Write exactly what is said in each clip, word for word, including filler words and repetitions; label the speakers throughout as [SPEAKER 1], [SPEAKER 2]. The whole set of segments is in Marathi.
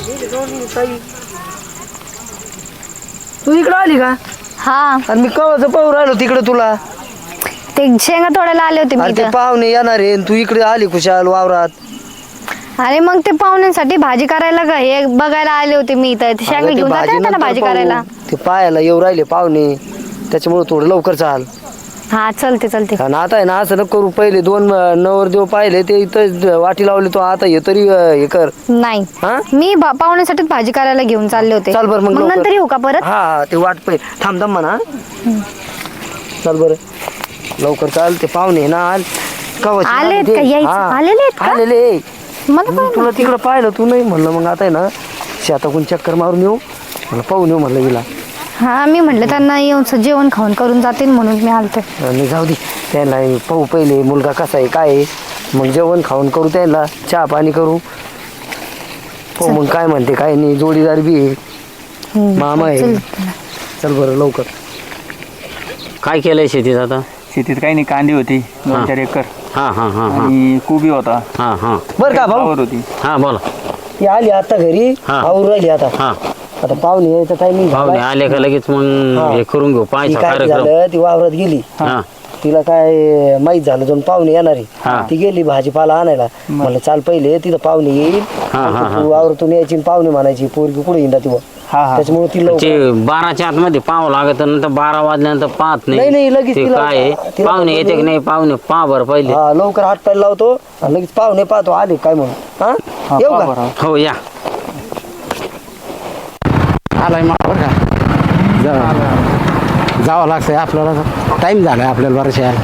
[SPEAKER 1] तू इकडे आली का?
[SPEAKER 2] हा
[SPEAKER 1] आणि मी कवाच पाहू राहिलो तिकडे तुला.
[SPEAKER 2] ते शेंगा तोडायला आले होते मी
[SPEAKER 1] अरे ते
[SPEAKER 2] इथं.
[SPEAKER 1] पाहुणे येणार आहे तू इकडे आली खुशाल वावरात.
[SPEAKER 2] अरे मग ते पाहुण्यांसाठी भाजी करायला का हे बघायला आले होते मी इथं. ते शेंगा
[SPEAKER 1] अगं ते
[SPEAKER 2] घेऊन जाते ना
[SPEAKER 1] नंतर
[SPEAKER 2] त्यांना भाजी
[SPEAKER 1] पाहू.
[SPEAKER 2] करायला.
[SPEAKER 1] ते पायाला येऊ राहिले पाहुणे त्याच्यामुळे थोडं लवकर चाल.
[SPEAKER 2] हा चलते चलते.
[SPEAKER 1] आणि आता आहे ना असं नको करू. पहिले दोन नवरदेव पाहिले ते इथं वाटी लावली तो आता हे तरी हे कर.
[SPEAKER 2] नाही
[SPEAKER 1] हा?
[SPEAKER 2] मी भा- पाहुण्यासाठीच भाजी करायला घेऊन चालले होते.
[SPEAKER 1] चाल बरं मग लवकर.
[SPEAKER 2] नंतर येऊ का परत?
[SPEAKER 1] हा हा ते वाट पाहिजे थांब थांब म्हणा. चल बरं लवकर चाल. ते पाहुणे ना आल कवच
[SPEAKER 2] आलेत का? यायचं आलेले आहेत का?
[SPEAKER 1] आलेले.
[SPEAKER 2] मला
[SPEAKER 1] मग
[SPEAKER 2] काय
[SPEAKER 1] तुला तिकडं पाहिलं तू नाही म्हणलं मग आता आहे ना शेताकडून चक्कर मारून येऊ मला पाहून येऊ म्हणलं हिला.
[SPEAKER 2] हा मी म्हटलं त्यांना येऊन स- जेवण खाऊन करून जातील म्हणून मी आलते.
[SPEAKER 1] आणि जाऊ दे त्यांना पाहू पहिले मुलगा कसा आहे काय आहे. मग जेवण खाऊन करू त्यांना चहा पाणी करू हो. मग काय म्हणते काय नाही जोडीदार बी आहे
[SPEAKER 2] हम्म,
[SPEAKER 1] मामा आहे.
[SPEAKER 2] चल.
[SPEAKER 1] चल बरं लवकर.
[SPEAKER 3] काय केलंय शेतीत आता?
[SPEAKER 4] शेतीत काही नाही, कांदी होती दोन चार एकर
[SPEAKER 3] हा हा हा हा
[SPEAKER 4] आणि कोबी होता.
[SPEAKER 3] हा हा
[SPEAKER 1] बरं का भाऊ
[SPEAKER 4] फ्लावर होती.
[SPEAKER 3] हा बोला.
[SPEAKER 1] ती आली आता घरी
[SPEAKER 3] हा.
[SPEAKER 1] आवरून राहिली आता.
[SPEAKER 3] हा
[SPEAKER 1] आता पाहुणे यायचा टायमिंग
[SPEAKER 3] पाहुणे आले का लगेच मग
[SPEAKER 1] हा.
[SPEAKER 3] हे करून घेऊ
[SPEAKER 1] ती
[SPEAKER 3] पाहायचा
[SPEAKER 1] काय
[SPEAKER 3] कार्यक्रम.
[SPEAKER 1] झालं ती वावरात गेली.
[SPEAKER 3] हा
[SPEAKER 1] तिला काय माहित झालं दोन पाहुणे येणार
[SPEAKER 3] हा.
[SPEAKER 1] आहे. ती गेली भाजीपाला आणायला. म्हणलं चाल पहिले तिथं पाहुणे येईल
[SPEAKER 3] हा, हा,
[SPEAKER 1] तू वावरातून यायची आणि पाहुणे म्हणायची पोरगी कुठे येईन ती
[SPEAKER 4] हा हा
[SPEAKER 1] त्याच्यामुळे ती लवकर
[SPEAKER 3] ते बाराच्या आतमध्ये पाहावं लागत नंतर बारा वाजल्यानंतर पाहत
[SPEAKER 1] नाही, नाही, लगेच
[SPEAKER 3] ते
[SPEAKER 1] तिला-
[SPEAKER 3] काय आहे,
[SPEAKER 1] तिला
[SPEAKER 3] पाहुणे येते की नाही पाहुणे पहा बरं पहिले.
[SPEAKER 1] हा लवकर हात पाय लावतो आणि लगेच पाहुणे पाहतो आले काय म्हणून. हा
[SPEAKER 4] हा,
[SPEAKER 1] येऊ
[SPEAKER 4] पहा
[SPEAKER 1] का?
[SPEAKER 4] बरं.
[SPEAKER 3] हो या.
[SPEAKER 5] आलाय मग बरं का जा- जावं लागतंय आपल्याला. टाईम झालाय आपल्याला बरंच यायला.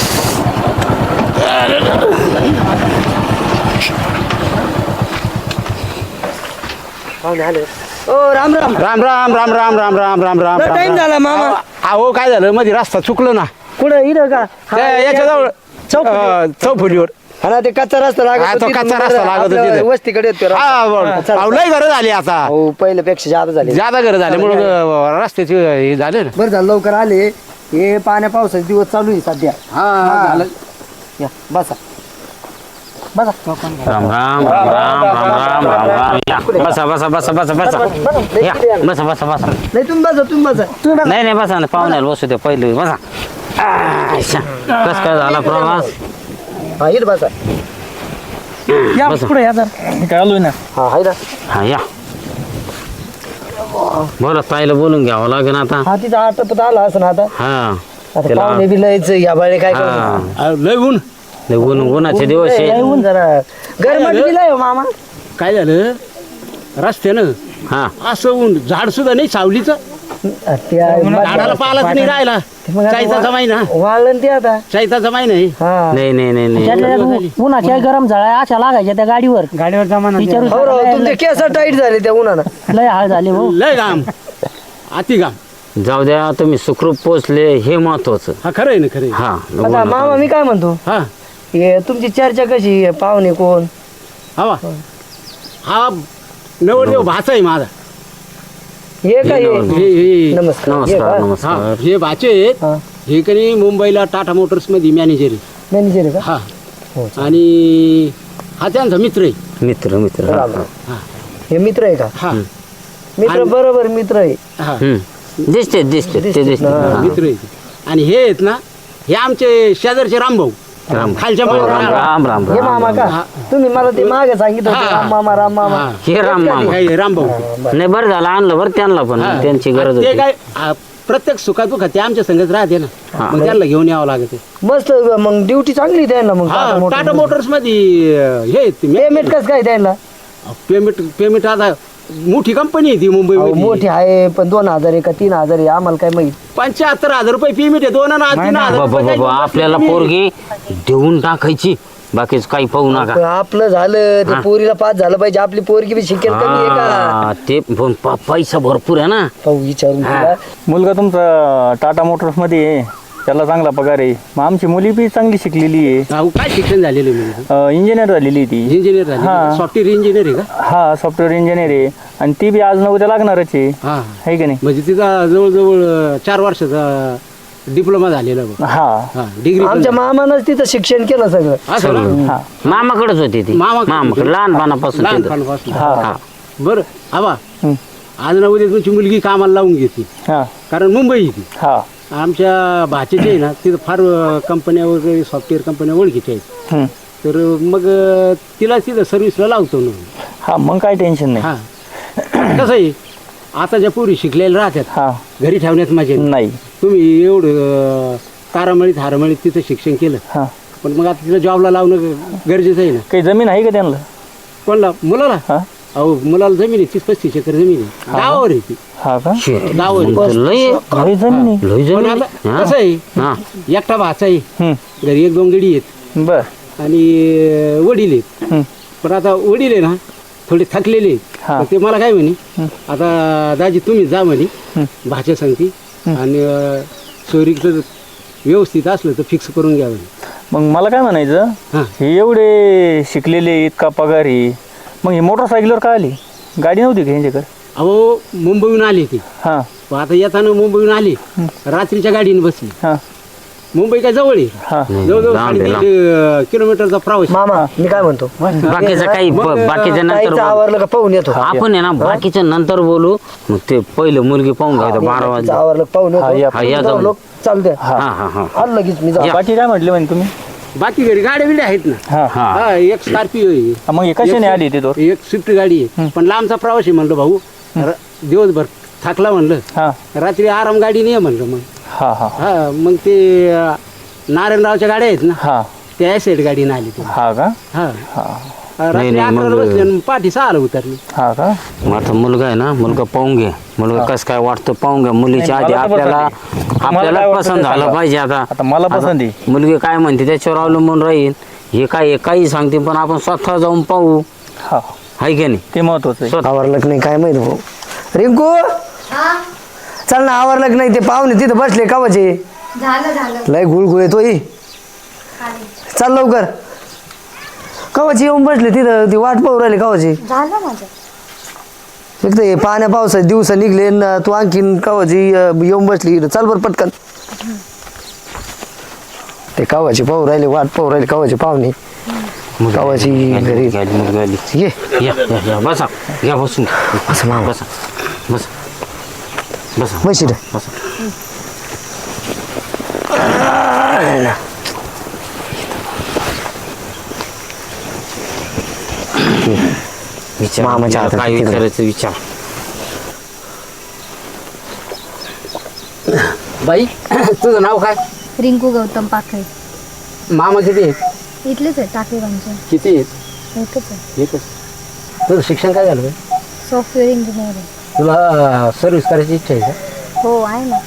[SPEAKER 1] पाहुणे आले. ओ राम राम.
[SPEAKER 5] राम राम राम राम राम राम राम राम राम
[SPEAKER 1] टाइम झाला मामा.
[SPEAKER 5] अहो काय झालं मध्ये रस्ता चुकलो ना
[SPEAKER 1] कुठं इथं का? हा,
[SPEAKER 5] त्या याच्याजवळ
[SPEAKER 1] चौफुली.
[SPEAKER 5] अं, चौफुलीवर.
[SPEAKER 1] हा ना ते कच्चा रस्ता लागत
[SPEAKER 5] हा, तो
[SPEAKER 1] होता.
[SPEAKER 5] कच्चा
[SPEAKER 1] तिथून
[SPEAKER 5] रस्ता लागत होता
[SPEAKER 1] आपल्या
[SPEAKER 5] तिथे.
[SPEAKER 1] वस्तीकडे येतो रस्ता.
[SPEAKER 5] हा
[SPEAKER 1] हा,
[SPEAKER 5] बरं.
[SPEAKER 1] चला.
[SPEAKER 5] अहो, लय घरं झाली आता.
[SPEAKER 1] हो पहिल्यापेक्षा जादा झाले.
[SPEAKER 5] ज्यादा घरं झाले म्हणून अं, रस्त्याचे हे झाले ना.
[SPEAKER 1] बरं झालं लवकर आले. हे पाण्या पावसाचे दिवस चालू आहे सध्या.
[SPEAKER 5] हा झालं.
[SPEAKER 1] या बसा बसा.
[SPEAKER 3] राम राम राम राम राम राम राम राम या. बसा बसा बसा बसा बसा या बसा बसा बसा.
[SPEAKER 1] नाही तुम्ही बसा तुम्ही बसा तुम्ही बसा.
[SPEAKER 3] नाही नाही बसा ना पाहुण्याला बसू दे पहिले बसा. कस काय झाला प्रवास?
[SPEAKER 1] हा इथं बसा.
[SPEAKER 4] या
[SPEAKER 3] बसा.
[SPEAKER 4] पुढे या जरा. मी काय आलोय ना.
[SPEAKER 1] हा हाय ना.
[SPEAKER 3] हा या बोला ताईला बोलून घ्यावं लागेल आता.
[SPEAKER 1] हा तिचा आटपत आला असं ना आता.
[SPEAKER 3] हा
[SPEAKER 1] आता
[SPEAKER 3] त्याला-
[SPEAKER 1] पाहुणे बी लयच या बाळे काय
[SPEAKER 3] हा
[SPEAKER 1] करणार?
[SPEAKER 5] अहो, लय ऊन.
[SPEAKER 3] लय ऊन उन्हाचे दिवस
[SPEAKER 1] लय
[SPEAKER 3] आहे.
[SPEAKER 1] ऊन जरा गरमट बी लय हो मामा.
[SPEAKER 5] काय झालं रस्त्यानं
[SPEAKER 3] हा
[SPEAKER 5] असं ऊन झाड सुद्धा नाही सावलीचं.
[SPEAKER 1] त्या
[SPEAKER 5] झाडाला पालाच नाही राहिला.
[SPEAKER 1] मग आता
[SPEAKER 5] चायचा महिना
[SPEAKER 1] वाळलं ना ते आता.
[SPEAKER 5] चायचा महिना आहे.
[SPEAKER 1] हा
[SPEAKER 3] नाही नाही नाही नाही
[SPEAKER 6] उन्हाच्या गरम झाला अशा लागायच्या त्या गाडीवर
[SPEAKER 4] गाडीवर जमाना
[SPEAKER 6] विचारू
[SPEAKER 1] हो राव, तुमचे केस टाईट झाले त्या उन्हानं.
[SPEAKER 6] लय हाल झाले हो.
[SPEAKER 5] लय घाम अति घाम.
[SPEAKER 3] जाऊ द्या तुम्ही सुखरूप पोचले हे महत्वाचं.
[SPEAKER 5] हा खरं आहे ना खरं आहे.
[SPEAKER 3] हा
[SPEAKER 1] आता मामा मी काय म्हणतो
[SPEAKER 5] हा
[SPEAKER 1] हे तुमची चर्चा कशी आहे? पाहुणे कोण?
[SPEAKER 5] हवा हा नवरदेव भाचा आहे माझा.
[SPEAKER 1] हे काय
[SPEAKER 3] हे
[SPEAKER 1] हे?
[SPEAKER 5] हे हे
[SPEAKER 1] नमस्कार हे
[SPEAKER 3] नमस्कार
[SPEAKER 1] का?
[SPEAKER 5] हा
[SPEAKER 3] नमस्कार.
[SPEAKER 5] हे भाचे आहेत.
[SPEAKER 1] हा.
[SPEAKER 5] हे कधी मुंबईला टाटा मोटर्स मध्ये मॅनेजर आहे.
[SPEAKER 1] मॅनेजर आहे का?
[SPEAKER 5] हा
[SPEAKER 1] हो,
[SPEAKER 5] आणि हा त्यांचा मित्र आहे.
[SPEAKER 3] मित्र मित्र हा,
[SPEAKER 1] राम
[SPEAKER 3] हा.
[SPEAKER 1] राम. हे मित्र आहे का?
[SPEAKER 5] हा
[SPEAKER 1] मित्र
[SPEAKER 5] आणि-
[SPEAKER 1] बरोबर मित्र आहे.
[SPEAKER 5] हा
[SPEAKER 3] हम्म. दिसते दिसते ते
[SPEAKER 1] दिसते
[SPEAKER 3] दिसते
[SPEAKER 1] ना.
[SPEAKER 5] हा,
[SPEAKER 3] हा.
[SPEAKER 5] मित्र आहे. आणि हे आहेत ना हे आमचे शेजारचे रामभाऊ
[SPEAKER 3] राम
[SPEAKER 5] खालच्या
[SPEAKER 3] राम
[SPEAKER 5] माळ्यावर
[SPEAKER 3] राम राम राम
[SPEAKER 1] हे
[SPEAKER 3] राम
[SPEAKER 1] मामा का?
[SPEAKER 5] हा.
[SPEAKER 1] तुम्ही मला ते मागे सांगितलं होतं,
[SPEAKER 5] हा.
[SPEAKER 1] राम मामा राम मामा.
[SPEAKER 5] हा.
[SPEAKER 3] हे राम मामा
[SPEAKER 5] हे रामभाऊ
[SPEAKER 3] नाही बरं झालं आणलं बरं त्यांना पण
[SPEAKER 5] हा.
[SPEAKER 3] त्यांची गरज
[SPEAKER 5] ते
[SPEAKER 3] होती.
[SPEAKER 5] काय आ, प्रत्येक सुखात दुखात ते आमच्या संगत राहते ना.
[SPEAKER 3] हा.
[SPEAKER 5] मग त्यांना घेऊन यावं लागते.
[SPEAKER 1] मस्त मग ड्युटी चांगली द्यायला मग
[SPEAKER 5] हा
[SPEAKER 1] टाटा
[SPEAKER 5] टाटा
[SPEAKER 1] मोटर्स.
[SPEAKER 5] मोटर्स मध्ये अं, हे
[SPEAKER 1] पेमेंट कसं काय द्यायला?
[SPEAKER 5] पेमेंट पेमेंट आता मोठी कंपनी आहे ती मुंबई
[SPEAKER 1] अहो, मोठी आहे पण दोन हजार आहे का तीन हजार आहे आम्हाला काय माहित.
[SPEAKER 5] पंच्याहत्तर हजार रुपये पेमेंट आहे. दोन आणि तीन हजार
[SPEAKER 3] बाबा
[SPEAKER 5] रुपये
[SPEAKER 3] बाबा
[SPEAKER 5] काही
[SPEAKER 3] आपल्याला
[SPEAKER 5] नाही.
[SPEAKER 3] पोरगी देऊन टाकायची बाकीच काही पाहू नका.
[SPEAKER 1] पण आपलं झालं ते
[SPEAKER 3] हा.
[SPEAKER 1] पोरीला पास झालं पाहिजे. आपली पोरगी बी शिकेल कमी आहे का?
[SPEAKER 3] हा, ते पण प- पैसा भरपूर आहे ना.
[SPEAKER 1] पाहू विचारून
[SPEAKER 3] हा.
[SPEAKER 1] तिला.
[SPEAKER 4] मुलगा तुमचा टाटा मोटर्स मध्ये आहे, त्याला चांगला पगार आहे. मग आमची मुली बी चांगली शिकलेली आहे.
[SPEAKER 5] अहो, काय शिक्षण झालेलं आहे?
[SPEAKER 4] इंजिनियर झालेली आहे ती.
[SPEAKER 5] इंजिनियर झाले
[SPEAKER 4] हा.
[SPEAKER 5] सॉफ्टवेअर इंजिनियर आहे का?
[SPEAKER 4] हा सॉफ्टवेअर इंजिनियर आहे आणि ती बी आज न उद्या लागणारच आहे.
[SPEAKER 5] हा
[SPEAKER 4] आहे की नाही?
[SPEAKER 5] म्हणजे तिचा जवळजवळ अं, चार वर्षाचा डिप्लोमा झालेला बघ.
[SPEAKER 4] हा
[SPEAKER 5] हा डिग्री
[SPEAKER 1] आमच्या मामानंच तिथं शिक्षण केलं सगळं.
[SPEAKER 5] असं ना?
[SPEAKER 4] हा
[SPEAKER 3] मामाकडेच होती ती
[SPEAKER 5] मामाकडे.
[SPEAKER 3] मामाकडे लहानपणापासून तिथं.
[SPEAKER 5] लहानपणापासून
[SPEAKER 4] हा
[SPEAKER 3] हा.
[SPEAKER 5] बरं आबा आज ना उद्या तुमची मुलगी कामाला लावून घेते
[SPEAKER 4] हा
[SPEAKER 5] कारण मुंबई ती
[SPEAKER 4] हा
[SPEAKER 5] आमच्या भाचेचे आहे ना तिथं फार कंपन्या वगैरे सॉफ्टवेअर कंपन्या ओळखीच्या आहेत
[SPEAKER 4] हम्म.
[SPEAKER 5] तर मग अं, तिला तिथं सर्व्हिसला लावतो ना
[SPEAKER 4] हा मग काय टेन्शन नाही
[SPEAKER 5] हा कसं आहे आता ज्या पोरी शिकलेल्या राहतात
[SPEAKER 4] हा
[SPEAKER 5] घरी ठेवण्यात मजा नाही.
[SPEAKER 4] नाही
[SPEAKER 5] तुम्ही एवढं तारामळीत हारामळीत तिथं शिक्षण केलं
[SPEAKER 4] हा
[SPEAKER 5] पण मग आता तिला जॉबला लावणं गरजेचं आहे ना
[SPEAKER 4] काही जमीन आहे का त्यांना
[SPEAKER 5] कोणला मुलाला
[SPEAKER 4] हा
[SPEAKER 5] अहो मुलाला जमीन आहे तीस पस्तीस एकर जमीन आहे गावावर आहे ती
[SPEAKER 4] हा का
[SPEAKER 5] गावावर आहे.
[SPEAKER 3] लय
[SPEAKER 4] लय जमीन आहे
[SPEAKER 3] लय
[SPEAKER 5] पण
[SPEAKER 3] जमीन
[SPEAKER 5] आता
[SPEAKER 3] हा.
[SPEAKER 5] कसं आहे
[SPEAKER 3] हा
[SPEAKER 5] एकटा भाचा आहे
[SPEAKER 4] हम्म.
[SPEAKER 5] घरी एक दोन गडी आहेत
[SPEAKER 4] बर
[SPEAKER 5] आणि अं, वडील आहेत
[SPEAKER 4] हम्म.
[SPEAKER 5] पण आता वडील आहे ना थोडे थकलेले आहेत
[SPEAKER 4] हा.
[SPEAKER 5] तर ते मला काय म्हणे आता दाजी तुम्ही जा म्हणे भाच्या सांगती आणि अं, चोरीचं व्यवस्थित असलं तर फिक्स करून घ्या म्हणे
[SPEAKER 4] मग मला काय म्हणायचं
[SPEAKER 5] हा.
[SPEAKER 4] हे एवढे शिकलेले इतका पगार आहे मग ही मोटरसायकलवर काय आली गाडी नव्हती का यांच्याकडे
[SPEAKER 5] अहो मुंबईहून आले ते
[SPEAKER 4] हा
[SPEAKER 5] पण आता येताना मुंबईहून आले रात्रीच्या गाडीने बसली
[SPEAKER 4] हा
[SPEAKER 5] मुंबई काय जवळ आहे
[SPEAKER 4] हा
[SPEAKER 5] जवळजवळ
[SPEAKER 3] लांब आहे,
[SPEAKER 5] साडेतीनशे किलोमीटरचा प्रवास
[SPEAKER 1] मामा मी काय म्हणतो
[SPEAKER 3] बाकीचं काही ब- बाकीच्या नंतर
[SPEAKER 1] ताईचं
[SPEAKER 3] बोलू.
[SPEAKER 1] आवरलं का पाहून येतो
[SPEAKER 3] आपण आहे ना बाकीच्या नंतर बोलू मग ते पहिलं मुलगी पाहून घ्यायचं बारा
[SPEAKER 1] ताईचं
[SPEAKER 3] वाजता
[SPEAKER 1] आवरलं का पाहून
[SPEAKER 4] हा, या.
[SPEAKER 3] हा, या
[SPEAKER 1] येतो
[SPEAKER 3] जाऊन.
[SPEAKER 1] लोक चालते
[SPEAKER 3] हा हा हा
[SPEAKER 1] आलं लगेच मी जाऊ
[SPEAKER 4] बाकी काय म्हटले म्हणे तुम्ही
[SPEAKER 5] बाकी घरी गाड्या बिड्या आहेत ना
[SPEAKER 4] हा
[SPEAKER 3] हा
[SPEAKER 5] हा एक स्कॉर्पिओ आहे
[SPEAKER 4] हा, मग हे कशाने आली ते तो
[SPEAKER 5] एक स्विफ्ट गाडी आहे पण लांबचा प्रवास आहे म्हणलं भाऊ र- दिवसभर थकला म्हणलं
[SPEAKER 4] हा
[SPEAKER 5] रात्री आराम गाडी नाही म्हणलं मग
[SPEAKER 4] हा हा
[SPEAKER 5] हा मग ते अं, नारायणरावच्या गाड्या आहेत ना
[SPEAKER 4] हा
[SPEAKER 5] त्या ऍसेट गाडीने आली ती
[SPEAKER 4] हा का
[SPEAKER 5] हा
[SPEAKER 4] हा
[SPEAKER 5] रात्री
[SPEAKER 3] नाही, मग-
[SPEAKER 5] अकराला बसली आणि पाठी सहाला उतरली
[SPEAKER 4] हा का
[SPEAKER 3] मग आता मुलगा आहे ना मुलगा पाहून घे मुलगा कसं काय वाटतं पाहून घ्या मुलीच्या
[SPEAKER 4] नाही,
[SPEAKER 3] आधी
[SPEAKER 4] मला तर
[SPEAKER 3] आपल्याला
[SPEAKER 4] पसंत आहे. मला
[SPEAKER 3] आपल्याला
[SPEAKER 4] काय वाटतं
[SPEAKER 3] पसंत
[SPEAKER 4] ते
[SPEAKER 3] झालं
[SPEAKER 4] सांगा.
[SPEAKER 3] पाहिजे आता
[SPEAKER 4] आता मला पसंत आहे
[SPEAKER 3] मुलगी काय म्हणते त्याच्यावर अवलंबून राहील हे काय हे काही सांगते पण आपण स्वतः जाऊन पाहू
[SPEAKER 4] हा
[SPEAKER 3] हाय की नाही
[SPEAKER 4] ते महत्वाचं आहे
[SPEAKER 1] आवरलं की नाही काय माहित भाऊ रिंकू चल ना आवरलं की नाही ते पाहुणे तिथं बसले कावाचे
[SPEAKER 2] झालं झालं
[SPEAKER 1] लय गुळगुळ येतो ही चल लवकर कवाची येऊन बसले तिथं ती वाट पाहू राहिली कवाची
[SPEAKER 2] झालं माझं
[SPEAKER 1] एक तर हे पाण्या पावसाचे दिवस निघले न तू आणखीन कवाची अं, येऊन बसली इथं. चल बरं पटकन ते कवाची पाहू राहिले वाट पाहू राहिले कवाची पाहुणे कवाची घरी
[SPEAKER 3] मुलगी आली, मुलगी आली.
[SPEAKER 1] ये
[SPEAKER 3] या या या बसा घ्या बसून घ्या.
[SPEAKER 1] असं मामा
[SPEAKER 3] बसा बसा बसा
[SPEAKER 1] बस इथं.
[SPEAKER 3] बसा विचार
[SPEAKER 1] मामाच्या हातात
[SPEAKER 3] काय
[SPEAKER 1] किती
[SPEAKER 3] विचारायचं विचार
[SPEAKER 5] बाई तुझं नाव काय
[SPEAKER 2] रिंकू गौतम पाखरे
[SPEAKER 5] मामा किती आहेत
[SPEAKER 2] इथलेच आहे टाकेगावचे
[SPEAKER 5] किती आहेत
[SPEAKER 2] एकच आहे
[SPEAKER 5] एकच तुझं शिक्षण काय झालं बाई?
[SPEAKER 2] सॉफ्टवेअर इंजिनियर आहे
[SPEAKER 5] तुला सर्व्हिस करायची इच्छा आहे का
[SPEAKER 2] हो आहे ना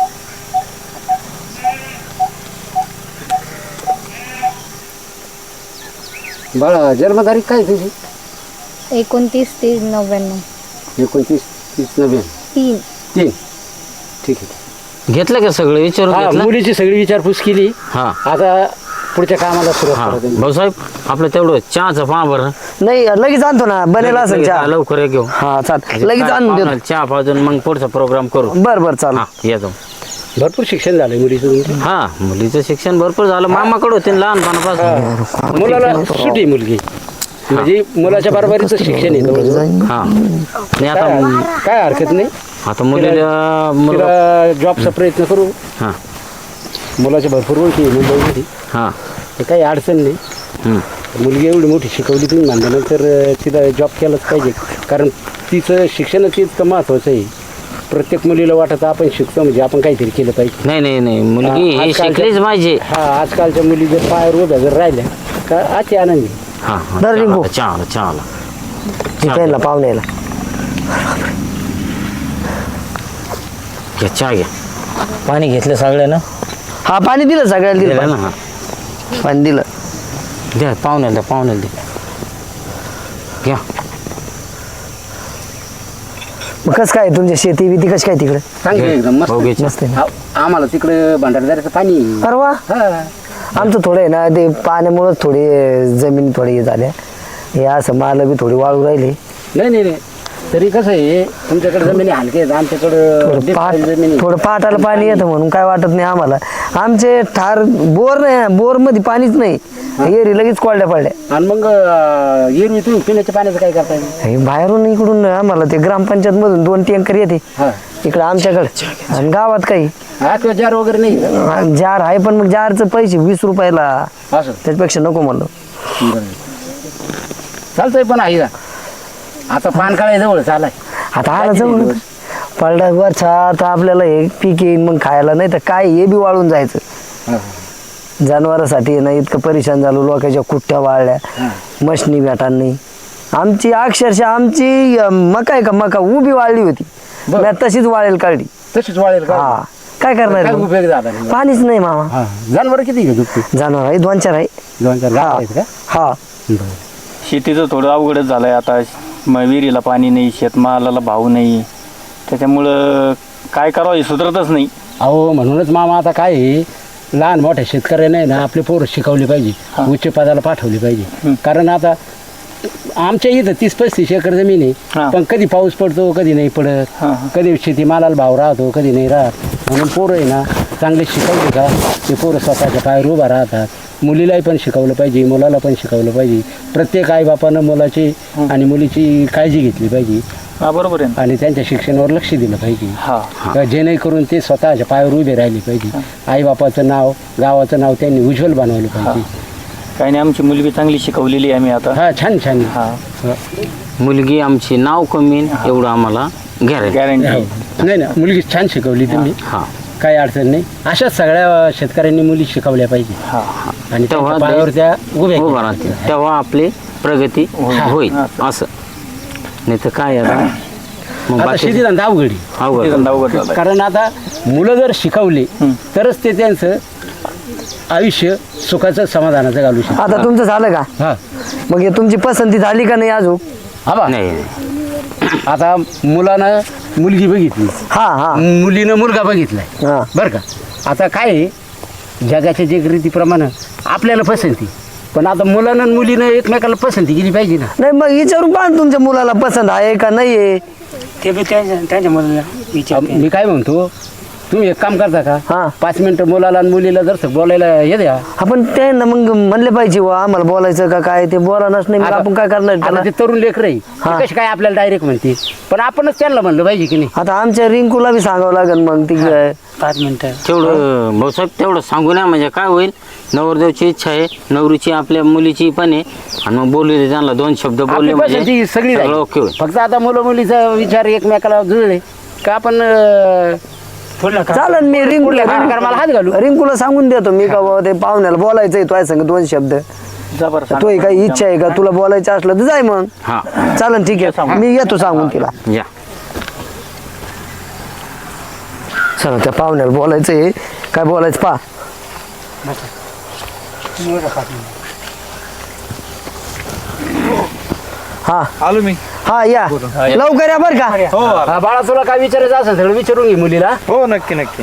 [SPEAKER 5] बाळा जन्मतारीख काय आहे तुझी
[SPEAKER 2] एकोणतीस तीस नव्याण्णव
[SPEAKER 5] एकोणतीस तीस नव्याण्णव
[SPEAKER 2] तीन
[SPEAKER 5] तीन ठीक आहे
[SPEAKER 3] घेतलं का सगळं विचारून
[SPEAKER 5] हा,
[SPEAKER 3] घेतलं
[SPEAKER 5] मुलीची सगळी विचारपूस केली
[SPEAKER 3] हा
[SPEAKER 5] आता पुढच्या कामाला
[SPEAKER 3] हा
[SPEAKER 5] सुरुवात करायची.
[SPEAKER 3] भाऊसाहेब आपलं तेवढं चहाचं पहा बरं
[SPEAKER 1] नाही लगेच आणतो ना बनेला असेल
[SPEAKER 3] लगेच
[SPEAKER 1] चहा
[SPEAKER 3] लवकर ये घेऊ
[SPEAKER 1] हा चाल लगेच आणून देतो
[SPEAKER 3] पाहुण्याला चहा पाजून मग पुढचा प्रोग्राम करू
[SPEAKER 1] बर बर चाल
[SPEAKER 3] हा येतो
[SPEAKER 5] भरपूर शिक्षण झालंय मुलीचं तुमचं.
[SPEAKER 3] हा मुलीचं शिक्षण भरपूर झालं मामाकडे होते लहानपणापासून
[SPEAKER 5] मुलाला सुटी मुलगी म्हणजे मुलाच्या बरोबरीचं शिक्षण आहे जवळजवळ.
[SPEAKER 3] हा आणि आता
[SPEAKER 5] काय काय हरकत नाही
[SPEAKER 3] आता मुलीला मुलगा
[SPEAKER 5] तिला जॉबचा प्रयत्न करू
[SPEAKER 3] हा
[SPEAKER 5] मुलाच्या भरपूर ओळखी आहे मुंबईमध्ये
[SPEAKER 3] हा
[SPEAKER 5] ते काही अडचण नाही
[SPEAKER 3] हम्म.
[SPEAKER 5] मुलगी एवढी मोठी शिकवली तुम्ही म्हणल्यानंतर तिला जॉब केलाच पाहिजे कारण तिचं शिक्षणच इतकं महत्त्वाचं आहे प्रत्येक मुलीला वाटत आपण शिकतो म्हणजे आपण काहीतरी केलं पाहिजे
[SPEAKER 3] नाही नाही नाही मुलगी
[SPEAKER 5] हा,
[SPEAKER 3] ही
[SPEAKER 5] आजकालच्या-
[SPEAKER 3] शिकलीच पाहिजे
[SPEAKER 5] हा आजकालच्या मुली जर पायावर उभ्या जर राहिल्या का अति आनंदी
[SPEAKER 3] हा हा
[SPEAKER 1] बरं, रिंकू.
[SPEAKER 3] चहा आला, चहा आला.
[SPEAKER 1] त्यांना पाहुण्याला
[SPEAKER 3] घ्या चहा घ्या पाणी घेतलं सगळं ना
[SPEAKER 1] हा पाणी दिलं सगळ्याला दिलं
[SPEAKER 3] दिलं ना
[SPEAKER 1] पाणी.
[SPEAKER 3] हा
[SPEAKER 1] पाणी दिलं
[SPEAKER 3] द्या पाहुण्याला द्या पाहुण्याला द्या घ्या
[SPEAKER 1] मग कसं काय तुमच्या शेती बिती कशी काय तिकडे
[SPEAKER 5] चांगली एकदम मस्त
[SPEAKER 3] भाऊ घे चहा.
[SPEAKER 1] मस्त आहे ना
[SPEAKER 5] आ- आम्हाला तिकडे भंडारदाऱ्याचं पाणी आहे.
[SPEAKER 1] अरे वा
[SPEAKER 5] हा
[SPEAKER 1] आमचं थोडं आहे ना ते पाण्यामुळंच थोडी जमीन थोडी हे झाल्या हे असं माल बी थोडी वाळू राहिली
[SPEAKER 5] नाही नाही नाही तरी कसं आहे तुमच्याकडे जमिनी हलके आहेत आमच्याकडं
[SPEAKER 1] थोडं पाट
[SPEAKER 5] deep जमिनी
[SPEAKER 1] थोडं पाटाला पाणी येतं म्हणून काय वाटत नाही आम्हाला. आमचे ठार बोर नाही, बोर मध्ये पाणीच नाही, एरी लगेच कोरड्या पडल्या.
[SPEAKER 5] आणि मग अं, एरवी तुम्ही पिण्याच्या पाण्याचं काय करताय?
[SPEAKER 1] हे बाहेरून इकडून आम्हाला ते ग्रामपंचायत मधून दोन टँकर येते
[SPEAKER 5] हा
[SPEAKER 1] इकडे आमच्याकडे, आणि गावात काही
[SPEAKER 5] हा किंवा जार वगैरे नाही का?
[SPEAKER 1] जार आहे, पण मग जारचं पैसे वीस रुपयाला,
[SPEAKER 5] असं
[SPEAKER 1] त्याच्यापेक्षा नको म्हणलं.
[SPEAKER 5] बरं. चालतंय पण आहे का आता पान काळाय जवळ चालाय
[SPEAKER 1] आता आला जाऊ पडला वरचा, आता आपल्याला हे पीक येईन मग खायला, नाही तर काय हे बी वाळून जायचं.
[SPEAKER 5] हा.
[SPEAKER 1] जनावरांसाठी ना इतकं परेशान झालो, लोकांच्या कुट्ट्या वाळल्या, मशनी भेटा नाही. आमची अक्षरशः आमची अं, मका आहे का मका उभी वाळली होती,
[SPEAKER 5] बरं.
[SPEAKER 1] मी तशीच वाळेल काढली.
[SPEAKER 5] तशीच वाळेल का?
[SPEAKER 1] हा काय
[SPEAKER 5] काय
[SPEAKER 1] करणार
[SPEAKER 5] उपयोग झाला नाही?
[SPEAKER 1] पाणीच नाही मामा.
[SPEAKER 5] हा जनावर किती घेऊ दुखते
[SPEAKER 1] जनावर आहे दोन चार आहे.
[SPEAKER 5] दोन चार गाव
[SPEAKER 1] हा
[SPEAKER 5] आहेत का?
[SPEAKER 1] हा
[SPEAKER 5] बरं.
[SPEAKER 4] शेतीचं थोडं अवघडच झालंय आता. म- विहिरीला पाणी नाही, शेतमालाला भाव नाही, त्याच्यामुळं काय करावं हे सुधरतच नाही.
[SPEAKER 5] अहो म्हणूनच मामा आता काय आहे, लहान मोठ्या शेतकऱ्यांना आहे ना आपले पोरं शिकवली पाहिजे, उच्च पदाला पाठवली पाहिजे. कारण आता आमच्या इथं तीस पस्तीस एकर जमीन
[SPEAKER 4] हा.
[SPEAKER 5] आहे, पण कधी पाऊस पडतो कधी नाही पडत,
[SPEAKER 4] हा, हा.
[SPEAKER 5] कधी शेतीमालाला भाव राहतो कधी नाही राहत. म्हणून पोरं आहे ना चांगले शिकवले का ते पोरं स्वतःच्या पायावर उभा राहतात. मुलीलाही पण शिकवलं पाहिजे, मुलाला पण शिकवलं पाहिजे. प्रत्येक आईबापानं मुलाची आणि मुलीची काळजी घेतली पाहिजे
[SPEAKER 4] हा बरोबर आहे ना.
[SPEAKER 5] आणि त्यांच्या शिक्षणावर लक्ष दिलं पाहिजे,
[SPEAKER 4] हा
[SPEAKER 5] जेणेकरून ते स्वतःच्या पायावर उभे राहिले पाहिजे. आईबापाचं नाव गावाचं नाव त्यांनी उज्ज्वल बनवलं पाहिजे.
[SPEAKER 4] काही नाही, आमची मुलगी चांगली शिकवलेली आहे आम्ही आता.
[SPEAKER 5] हा छान छान
[SPEAKER 4] हा
[SPEAKER 3] मुलगी आमची नाव कमी एवढं आम्हाला गॅरंटी.
[SPEAKER 4] गॅरंटी.
[SPEAKER 5] नाही ना मुलगी छान शिकवली तुम्ही,
[SPEAKER 3] हा
[SPEAKER 5] काही अडचण नाही. अशाच सगळ्या शेतकऱ्यांनी मुली शिकवल्या पाहिजे
[SPEAKER 4] हा
[SPEAKER 5] आणि
[SPEAKER 3] तेव्हा
[SPEAKER 5] त्यांच्या पायावर त्या उभ्या
[SPEAKER 3] उभं
[SPEAKER 5] केल्या.
[SPEAKER 3] राहतील, तेव्हा आपली प्रगती होईल. असं नाही तर काय आता मग
[SPEAKER 5] आता
[SPEAKER 3] बाकी
[SPEAKER 5] शेती धंदा अवघडी,
[SPEAKER 3] अवघड.
[SPEAKER 4] ते धंदा अवघड झालाय.
[SPEAKER 5] कारण आता मुलं जर शिकवले तरच ते त्यांचं आयुष्य सुखाचं समाधानाचं घालू शकतात.
[SPEAKER 1] आता तुमचं झालं का?
[SPEAKER 5] हा
[SPEAKER 1] मग हे तुमची पसंती झाली का नाही अजून?
[SPEAKER 5] हा बा.
[SPEAKER 3] नाही नाही.
[SPEAKER 5] आता मुलानं मुलगी बघितली,
[SPEAKER 1] हा हा
[SPEAKER 5] मुलीनं मुलगा बघितलाय,
[SPEAKER 1] हा
[SPEAKER 5] बरं का. आता काय आहे, जगाच्या जे रीतीप्रमाणे आपल्याला पसंती, पण आता मुलानं आणि मुलीनं एकमेकाला पसंती केली पाहिजे ना.
[SPEAKER 1] नाही मग विचारून पहा ना तुमच्या मुलाला पसंत आहे का नाही आहे.
[SPEAKER 6] ते बी त्यांच्या त्यांच्या मुलाला विचार
[SPEAKER 5] मी काय म्हणतो, तुम्ही एक काम करता
[SPEAKER 1] हा.
[SPEAKER 5] का, पाच मिनिटं मुलाला आणि मुलीला जर बोलायला ये द्या.
[SPEAKER 1] आपण ते ना मग म्हणले पाहिजे वा आम्हाला बोलायचं का काय, ते बोलानच नाही मग
[SPEAKER 5] आता-
[SPEAKER 1] आपण काय करणार
[SPEAKER 5] आता
[SPEAKER 1] त्याला.
[SPEAKER 5] ते तरुण लेकर आहे,
[SPEAKER 1] हा.
[SPEAKER 5] ते कशी काय आपल्याला डायरेक्ट म्हणते, पण आपणच त्यांना म्हणलं पाहिजे की नाही.
[SPEAKER 1] आता आमच्या रिंकूला बी सांगावं लागेल मग ती काय.
[SPEAKER 6] पाच मिनिटं
[SPEAKER 3] तेवढं भाऊसाहेब तेवढं सांगू नये म्हणजे काय होईल, नवरदेवची इच्छा आहे, नवरीची आपल्या मुलीची पण आहे, आणि मग बोलू दे त्यांना दोन शब्द
[SPEAKER 5] आपली
[SPEAKER 3] बोलले म्हणजे
[SPEAKER 5] पसंती सगळी
[SPEAKER 3] सगळं
[SPEAKER 5] झाली.
[SPEAKER 3] ओके होईल.
[SPEAKER 5] फक्त आता मुलं मुलीचा विचार एकमेकाला जुळले का आपण अं,
[SPEAKER 1] चालेल मी रिंकूला
[SPEAKER 5] पुढल्या कार्यक्रमाला हात घालू.
[SPEAKER 1] रिंकूला सांगून देतो मी का बाबा ते पाहुण्याला बोलायचंय तो संग दोन शब्द.
[SPEAKER 4] जबरदस्त.
[SPEAKER 1] तो काही इच्छा आहे का तुला बोलायचं असलं तर जाय मग.
[SPEAKER 3] हा
[SPEAKER 1] चालेल ठीक आहे मी येतो सांगून तिला.
[SPEAKER 3] या
[SPEAKER 1] चला त्या पाहुण्याला बोलायचंय, काय बोलायचं पा. हा
[SPEAKER 4] आलो मी.
[SPEAKER 1] हा या लवकर या बरं का.
[SPEAKER 4] हो
[SPEAKER 5] हा, बाळा तुला काय विचारायचं असेल सगळं विचारून घे मुलीला.
[SPEAKER 4] हो नक्की नक्की.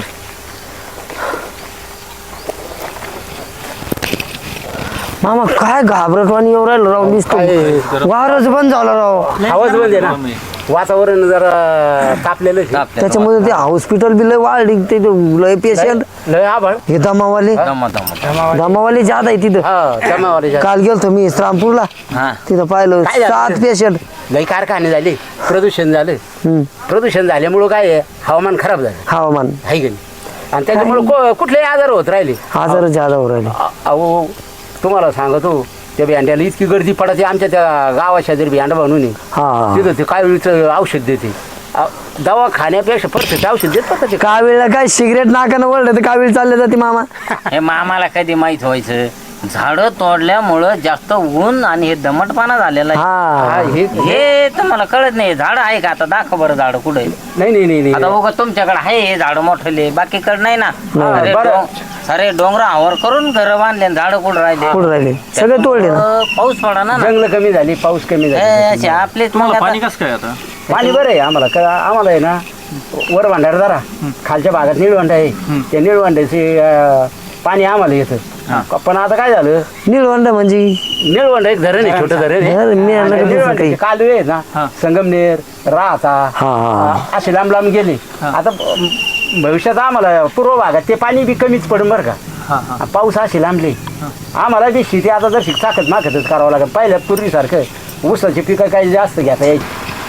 [SPEAKER 1] मामा काय घाबरटवाणी येऊ राहिलं राव, दिसतो वारच बंद झालं राव.
[SPEAKER 5] आवाज बंद आहे ना, वातावरण जरा तापलेलं आहे.
[SPEAKER 1] त्याच्यामध्ये ते हॉस्पिटल बी लय वाढली, ते लय पेशंट
[SPEAKER 5] लय आभाळ.
[SPEAKER 1] हे दमावाले
[SPEAKER 3] दमा दमा
[SPEAKER 1] दमावाले जात आहे तिथं.
[SPEAKER 5] हा जमावाले जास्त.
[SPEAKER 1] काल गेलतो मी श्रामपूरला,
[SPEAKER 3] हा
[SPEAKER 1] तिथं पाहिलं
[SPEAKER 5] काय झालं?
[SPEAKER 1] सात पेशंट.
[SPEAKER 5] लई कारखाने झाले, प्रदूषण झालं. प्रदूषण झाल्यामुळं काय आहे, हवामान खराब झालं
[SPEAKER 1] हवामान
[SPEAKER 5] आहे की नाही, आणि त्याच्यामुळे कुठलेही आजार होत राहिले.
[SPEAKER 1] आजार जादा होऊ राहिले.
[SPEAKER 5] अ- अहो तुम्हाला सांगतो, त्या बियांड्याला इतकी गर्दी पडते आमच्या त्या गावाच्या जर बियांडा बनवून आहे.
[SPEAKER 1] हा
[SPEAKER 5] तिथं ते कावीळचं औषध देते. अ, दवा खाण्यापेक्षा परत औषध देतात का ते.
[SPEAKER 1] कावीळला काय सिगरेट नाकानं वळलं तर कावीळ चालले जाते मामा.
[SPEAKER 3] हे मामाला कधी माहित व्हायचं, झाडं तोडल्यामुळं जास्त ऊन आणि हे दमटपणा झालेला आहे.
[SPEAKER 5] हा,
[SPEAKER 1] हा
[SPEAKER 5] हे
[SPEAKER 3] हे तुम्हाला कळत नाही. झाड आहे का आता, दाखव बरं झाड कुठे.
[SPEAKER 5] नाही नाही नाही नाही.
[SPEAKER 3] आता बघा तुमच्याकडे आहे हे झाड मोठले, बाकीकडे नाही ना. अरे
[SPEAKER 5] बरं.
[SPEAKER 3] डोंग- सारे डोंगरावर करून घर बांधले, झाड कुठं राहिले,
[SPEAKER 1] कुठं राहिले सगळे तोडले ना.
[SPEAKER 3] त्यामुळं पाऊस पडा ना.
[SPEAKER 5] जंगल कमी झाली, पाऊस कमी
[SPEAKER 3] हे
[SPEAKER 5] झाला.
[SPEAKER 3] असे आपलेच मग
[SPEAKER 4] पाणी
[SPEAKER 3] आता-
[SPEAKER 4] कसं काय आता?
[SPEAKER 5] पाणी बरं आहे आम्हाला, का आम्हाला आहे ना वर भांडार जरा खालच्या भागात निळवंड आहे. त्या निळवंड्याचे पाणी आम्हाला येतं पण आता काय झालं
[SPEAKER 1] निळवंड म्हणजे
[SPEAKER 5] निळवंड एक धरण आहे छोटं धरण आहे.
[SPEAKER 1] धरण, मी आणलं
[SPEAKER 5] आणि
[SPEAKER 1] का दुसरं
[SPEAKER 5] निळवंडाचे
[SPEAKER 1] काही?
[SPEAKER 5] कालवे आहेत ना संगमनेर राहता
[SPEAKER 1] हा, हा.
[SPEAKER 5] असे लांब लांब गेले आता ब- भविष्यात आम्हाला पूर्व भागात ते पाणी बी कमीच पडून बरं का पाऊस असे लांबले आम्हाला बी शेती आता जर चाकत माकतच करावं लागेल पहिल्या पूर्वीसारखं ऊसाची पिकं काही जास्त घेता यायची.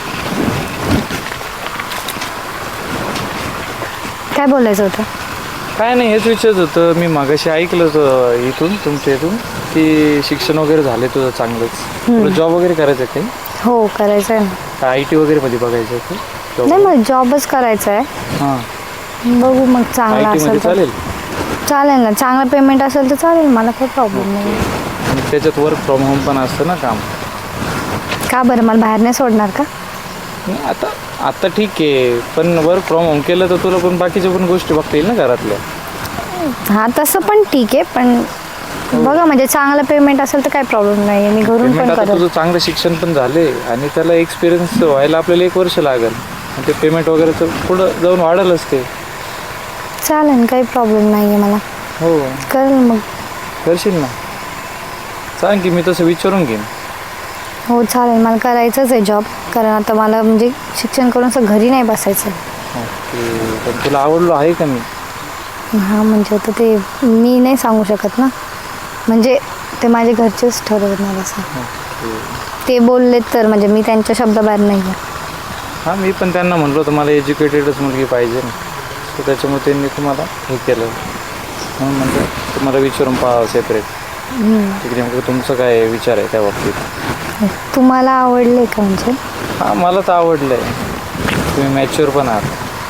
[SPEAKER 2] काय बोलायचं होतं?
[SPEAKER 7] काय नाही हेच विचारत होतं मी मागाशी ऐकलं होतं इथून तुमच्या इथून की शिक्षण वगैरे झाले तुझं चांगलंच तुला जॉब वगैरे करायचं आहे काही
[SPEAKER 2] हो करायचं आहे ना.
[SPEAKER 7] आय टी वगैरे मध्ये बघायचं आहे का
[SPEAKER 2] नाही मला जॉबच करायचा आहे.
[SPEAKER 7] हां
[SPEAKER 2] बघू मग
[SPEAKER 7] आय
[SPEAKER 2] चांगला
[SPEAKER 7] टी मध्ये
[SPEAKER 2] असेल तर
[SPEAKER 7] चालेल
[SPEAKER 2] चालेल ना. चांगला पेमेंट असेल तर चालेल मला काही प्रॉब्लेम नाही.
[SPEAKER 7] आणि त्याच्यात वर्क फ्रॉम होम पण असतं ना काम.
[SPEAKER 2] का बरं मला बाहेर नाही सोडणार का?
[SPEAKER 7] नाही, आता आता ठीक आहे पण वर्क फ्रॉम होम केलं तर तुला पण बाकीच्या पण गोष्टी बघता येईल ना घरातल्या.
[SPEAKER 2] हां तसं पण ठीक आहे पण बघा म्हणजे चांगलं पेमेंट असेल तर काही प्रॉब्लेम नाही मी घरून
[SPEAKER 7] पेमेंट
[SPEAKER 2] पण
[SPEAKER 7] आता
[SPEAKER 2] करेल.
[SPEAKER 7] तुझं चांगलं शिक्षण पण झाले आणि त्याला एक्सपिरियन्स व्हायला आपल्याला एक वर्ष लागेल आणि ते पेमेंट वगैरे तर पुढं जाऊन वाढेलच ते.
[SPEAKER 2] चालेल काही प्रॉब्लेम नाही आहे मला
[SPEAKER 7] हो
[SPEAKER 2] करेल मग.
[SPEAKER 7] करशील ना सांग की मी तसं विचारून घेईन.
[SPEAKER 2] हो चालेल मला करायचंच आहे जॉब कारण आता मला म्हणजे शिक्षण करून असं घरी नाही बसायचं.
[SPEAKER 7] ओके पण तुला आवडलो आहे का मी.
[SPEAKER 2] हां म्हणजे आता ते मी नाही सांगू शकत ना म्हणजे ते माझे घरचेच ठरवणार असं. ते बोलले तर म्हणजे मी त्यांच्या शब्दाबाहेर नाही आहे.
[SPEAKER 7] हां मी पण त्यांना म्हणलो होतं मला एज्युकेटेडच मुलगी पाहिजे ना तर त्याच्यामुळे त्यांनी तुम्हाला हे केलं म्हणून म्हणजे तुम्हाला विचारून पहा सेपरेट तिकडे नेमकं तुमचं काय विचार आहे त्या बाबतीत.
[SPEAKER 2] तुम्हाला आवडले का म्हणजे?
[SPEAKER 7] हां मला तर आवडलं आहे तुम्ही मॅच्युअर पण आहात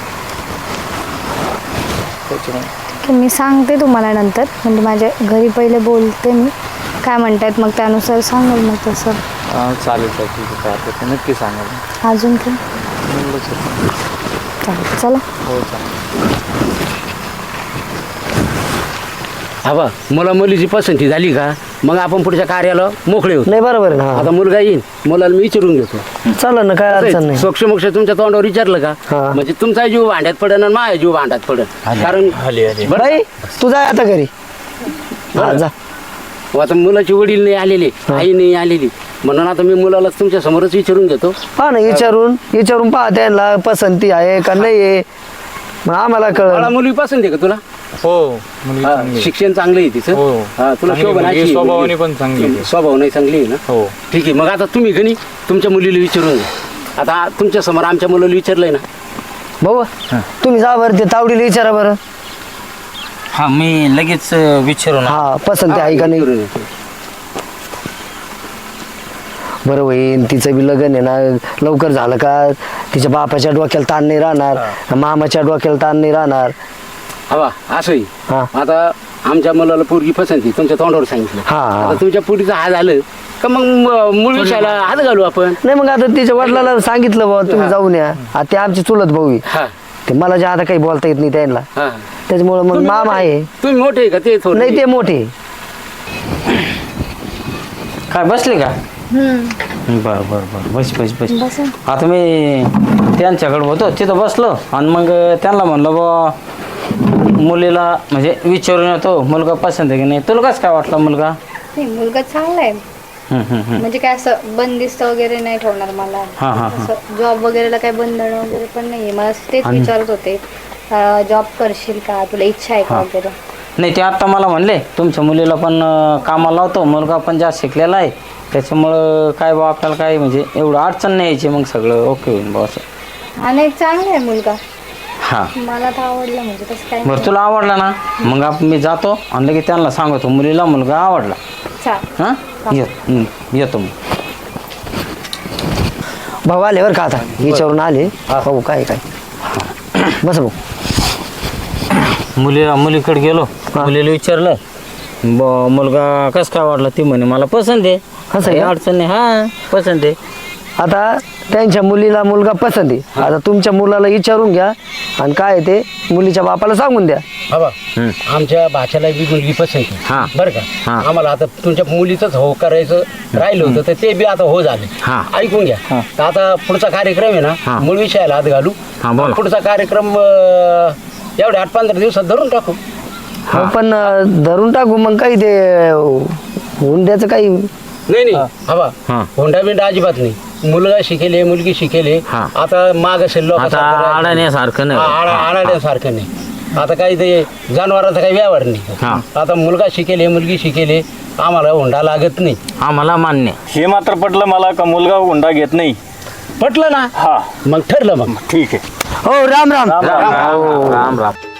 [SPEAKER 7] त्याच्यामुळे.
[SPEAKER 2] ठीक आहे मी सांगते तुम्हाला नंतर म्हणजे माझ्या घरी पहिले बोलते मी काय म्हणतायत मग त्यानुसार सांगेल मग तसं.
[SPEAKER 7] हां चालेल चालेल ठीक आहे काय हरकत नाही. नक्की सांगा
[SPEAKER 2] अजून काय
[SPEAKER 7] एवढंच आहे.
[SPEAKER 2] चालेल चला.
[SPEAKER 7] हो चालेल.
[SPEAKER 5] हा बा मला मुलीची पसंती झाली का मग आपण पुढच्या कार्याला मोकळे होतो.
[SPEAKER 1] नाही बरोबर आहे ना.
[SPEAKER 5] आता मुलगा येईल मुलाला मी विचारून घेतो.
[SPEAKER 1] चालेल ना काय अडचण नाही.
[SPEAKER 5] सोक्ष मोक्ष तुमच्या तोंडावर विचारलं का
[SPEAKER 1] हा.
[SPEAKER 5] म्हणजे तुमचा जीव भांड्यात पडेल आणि माझा जीव भांड्यात पडेल कारण
[SPEAKER 1] बाई तू जा आता घरी. हा, जा.
[SPEAKER 5] आता मुलाची वडील नाही आलेले आई नाही आलेली म्हणून आता मी मुलाला तुमच्या समोरच विचारून घेतो.
[SPEAKER 1] पहा ना विचारून विचारून पहा त्यांना पसंती आहे का नाही आहे मग आम्हाला
[SPEAKER 5] मला
[SPEAKER 1] कळ.
[SPEAKER 5] मुलगी पसंत आहे का तुला.
[SPEAKER 7] हो मुलगी
[SPEAKER 5] हा,
[SPEAKER 7] चांगली आहे.
[SPEAKER 5] शिक्षण चांगलं आहे तिचं.
[SPEAKER 7] हो.
[SPEAKER 5] हा, तुला
[SPEAKER 7] चांगली
[SPEAKER 5] शोभन
[SPEAKER 7] मुलगी,
[SPEAKER 5] अशी आहे
[SPEAKER 7] स्वभावाने
[SPEAKER 5] मुलगी.
[SPEAKER 7] पण चांगली आहे.
[SPEAKER 5] स्वभाव नाही चांगली आहे ना.
[SPEAKER 7] हो
[SPEAKER 5] ठीक आहे मग आता तुम्ही गणी तुमच्या मुलीला विचारून घ्या. आता तुमच्या समोर आमच्या मुलाला विचारलंय ना.
[SPEAKER 1] भाऊ तुम्ही जा बरं ते तावडीला विचारा बरं.
[SPEAKER 3] हां मी लगेच विचारून
[SPEAKER 1] हा पसंती आहे का नाही.
[SPEAKER 5] विचारून घ्या.
[SPEAKER 1] बरं होईन तिचं बी लग्न आहे ना लवकर झालं का तिच्या बापाच्या डोक्याला ताण नाही राहणार मामाच्या डोक्याला ताण नाही राहणार.
[SPEAKER 5] हवा असंही
[SPEAKER 1] हा.
[SPEAKER 5] आता आमच्या मुलाला पोरगी पसंती तुमच्या तोंडावर सांगितलं.
[SPEAKER 1] हा.
[SPEAKER 5] आता तुमच्या पोरीचं हा झालं का मग म- मूळ विषयाला हात घालू आपण.
[SPEAKER 1] नाही मग आता तिच्या वडिलाला सांगितलं बाबा तुम्ही जाऊन या. आता ते आमची चुलत भाऊ आहे.
[SPEAKER 5] हा
[SPEAKER 1] ते मला जे आता काही बोलता येत नाही त्यांना
[SPEAKER 5] हा
[SPEAKER 1] त्याच्यामुळे मग
[SPEAKER 5] तुम्ही
[SPEAKER 1] मामा
[SPEAKER 5] मोठे-
[SPEAKER 1] आहे.
[SPEAKER 5] तुम्ही मोठे आहे का ते थोडे
[SPEAKER 1] नाही ते मोठे.
[SPEAKER 3] काय बसले का. बर बर बर बस बस बस.
[SPEAKER 2] बस
[SPEAKER 3] आता मी त्यांच्याकडे होतो तिथं बसलो आणि मग त्यांना म्हणलं बा मुलीला म्हणजे विचारून येतो मुलगा पसंत आहे की नाही. तुला कसं काय वाटलं मुलगा.
[SPEAKER 2] नाही मुलगा चांगला आहे
[SPEAKER 3] हम्म, हम्म, हम्म.
[SPEAKER 2] म्हणजे काय असं बंदिस्त वगैरे नाही ठेवणार मला.
[SPEAKER 3] हा, हा, हा.
[SPEAKER 2] असं जॉब वगैरेला काही बंधन वगैरे पण नाहीये. मला तेच
[SPEAKER 3] आणि-
[SPEAKER 2] विचारत होते जॉब करशील का तुला इच्छा आहे का
[SPEAKER 3] हा.
[SPEAKER 2] वगैरे.
[SPEAKER 3] नाही ते आत्ता मला म्हणले तुमच्या मुलीला पण अं, कामाला लावतो मुलगा पण जास्त शिकलेला आहे त्याच्यामुळं काय बा आपल्याला काय म्हणजे एवढं अडचण नाही यायची मग सगळं ओके होईल बा असं.
[SPEAKER 2] आणि एक चांगला आहे मुलगा
[SPEAKER 3] हां
[SPEAKER 2] मला तर आवडलं म्हणजे तसं काय
[SPEAKER 3] बरं तुला आवडला ना मग आपण मी जातो आणि लगेच त्यांना सांगतो मुलीला मुलगा आवडला.
[SPEAKER 2] चालेल.
[SPEAKER 3] हां येत हं, येतो मग.
[SPEAKER 1] भाऊ आले बरं का आता विचारून आले. भाऊ काय काय बस भाऊ.
[SPEAKER 3] मुलीला मुलीकडे गेलो मुलीला विचारलं ब मुलगा कसं काय वाटला ती म्हणे मला पसंत आहे.
[SPEAKER 1] असं आहे
[SPEAKER 3] काही
[SPEAKER 1] का?
[SPEAKER 3] अडचण नाही हां पसंत आहे.
[SPEAKER 1] आता त्यांच्या मुलीला मुलगा पसंत आहे. आता तुमच्या मुलाला विचारून घ्या आणि काय आहे ते मुलीच्या बापाला सांगून द्या.
[SPEAKER 5] हवा
[SPEAKER 3] हं.
[SPEAKER 5] आमच्या भाच्याला बी मुलगी पसंती
[SPEAKER 3] हा.
[SPEAKER 5] बरं का.
[SPEAKER 3] हा.
[SPEAKER 5] आम्हाला आता तुमच्या मुलीचंच हो करायचं राहिलं होतं तर ते बी आता हो झाले.
[SPEAKER 3] हा.
[SPEAKER 5] ऐकून घ्या
[SPEAKER 3] हा.
[SPEAKER 5] तर आता पुढचा कार्यक्रम आहे
[SPEAKER 3] हा.
[SPEAKER 5] ना मूळ विषयाला हात घालू.
[SPEAKER 3] हा, बोला.
[SPEAKER 5] पुढचा कार्यक्रम अं, एवढ्या आठ पंधरा दिवसात धरून टाकू.
[SPEAKER 1] हो, पण अं, धरून टाकू मग काही ते हुंड्याचं काही
[SPEAKER 5] नाही नाही हवा
[SPEAKER 3] हा.
[SPEAKER 5] होंडा बिंडा अजिबात नाही मुलगा शिकेले मुलगी शिकेले
[SPEAKER 3] हा.
[SPEAKER 5] आता माग शिल्लक
[SPEAKER 3] आता आडण्यासारखं नाही
[SPEAKER 5] आडाण्यासारखं नाही आता काही ते जनावरांचा काही व्यवहार
[SPEAKER 3] हा.
[SPEAKER 5] नाही आता मुलगा शिकेले मुलगी शिकेले आम्हाला हुंडा लागत नाही
[SPEAKER 3] आम्हाला मान्य.
[SPEAKER 4] हे मात्र पटलं मला का मुलगा हुंडा घेत नाही.
[SPEAKER 5] पटलं ना
[SPEAKER 4] हा
[SPEAKER 5] मग ठरलं मग
[SPEAKER 4] ठीक आहे.
[SPEAKER 1] हो राम राम
[SPEAKER 4] राम राम.
[SPEAKER 3] राम राम.